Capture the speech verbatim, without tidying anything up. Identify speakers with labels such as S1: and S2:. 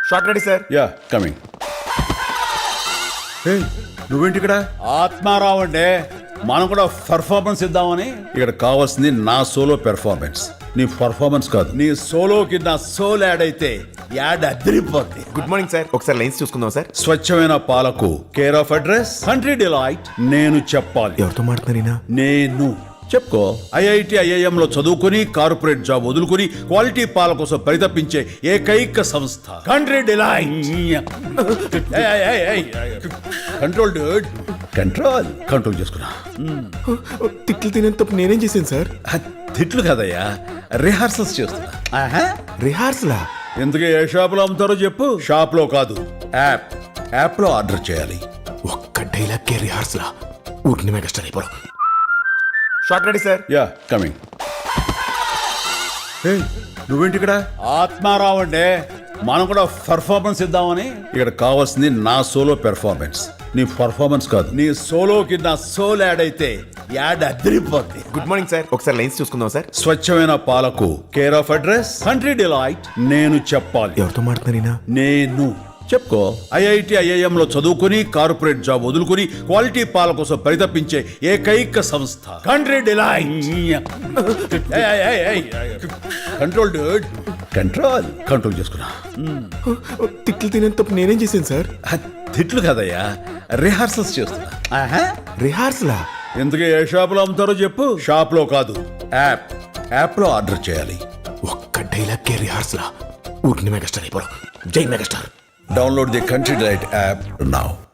S1: Short ready sir.
S2: Yeah coming. నువ్వేంటి ఇక్కడ? ఆత్మారావు అంటే మనం కూడా పర్ఫార్మెన్స్ ఇద్దామని. ఇక్కడ కావాల్సింది నా సోలో పెర్ఫార్మెన్స్, నీ పర్ఫార్మెన్స్ కాదు. నీ సోలోకి నా సోల్ యాడ్ అయితే యాడ్ అదిరిపోద్ది.
S1: Good morning sir. ఒకసారి లైన్స్ చూసుకుందాం సార్.
S2: స్వచ్ఛమైన పాలకు care of address country delight. నేను చెప్పాలి.
S1: ఎవరితో మాట్లాడుతున్నారీనా?
S2: నేను చెప్పుకో. ఐఐటి ఐఐఎం లో చదువుకుని కార్పొరేట్ జాబ్ వదులుకుని క్వాలిటీ పాల కోసం పరితపించే ఏకైక సంస్థ country delight. Control dude, control control చేసుకున్నా.
S1: తిట్లు తినేంత నేనేం చేశాను సార్?
S2: తిట్లు కదయ్యా, రిహార్సల్స్ చేస్తున్నా.
S1: రిహార్సలా?
S2: ఎందుకు ఏ షాప్ లో అమ్ముతారో చెప్పు. షాప్ లో కాదు, యాప్ యాప్ లో ఆర్డర్ చేయాలి.
S1: ఒక్క డైలాగ్ కే రిహార్సలా? ఊరికి మెగాస్టార్ అయిపోరు. Shot ready sir.
S2: Yeah coming. నువ్వేంటి ఇక్కడ? ఆత్మారావు అంటే మనం కూడా పర్ఫార్మెన్స్ ఇద్దామని. ఇక్కడ కావాల్సింది నా సోలో పెర్ఫార్మెన్స్, నీ పర్ఫార్మెన్స్ కాదు. నీ సోలోకి నా సోల్ యాడ్ అయితే యాడ్ అదిరిపోద్ది.
S1: Good morning sir. ఒకసారి లైన్స్ చూసుకుందాం సార్.
S2: స్వచ్ఛమైన పాలకు care of address country delight. నేను చెప్పాలి.
S1: ఎవరితో మాట్లాడుతున్నారీనా?
S2: నేను చెప్పుకో. ఐఐటి ఐఐఎం లో చదువుకుని కార్పొరేట్ జాబ్ వదులుకుని క్వాలిటీ పాల కోసం పరితపించే ఏకైక సంస్థ country delight. Control dude, control control చేసుకున్నా.
S1: తిట్లు తినేంత నేనేం చేశాను సార్?
S2: తిట్లు కదయ్యా, రిహార్సల్స్ చేస్తున్నా.
S1: రిహార్సలా?
S2: ఎందుకు ఏ షాప్ లో అమ్ముతారో చెప్పు. షాప్ లో కాదు, యాప్ యాప్ లో ఆర్డర్ చేయాలి.
S1: ఒక్క డైలాగ్ కే రిహార్సలా? ఊరికి మెగాస్టార్ అయిపోరు. జై megastar.
S2: Download the Country Delight app now.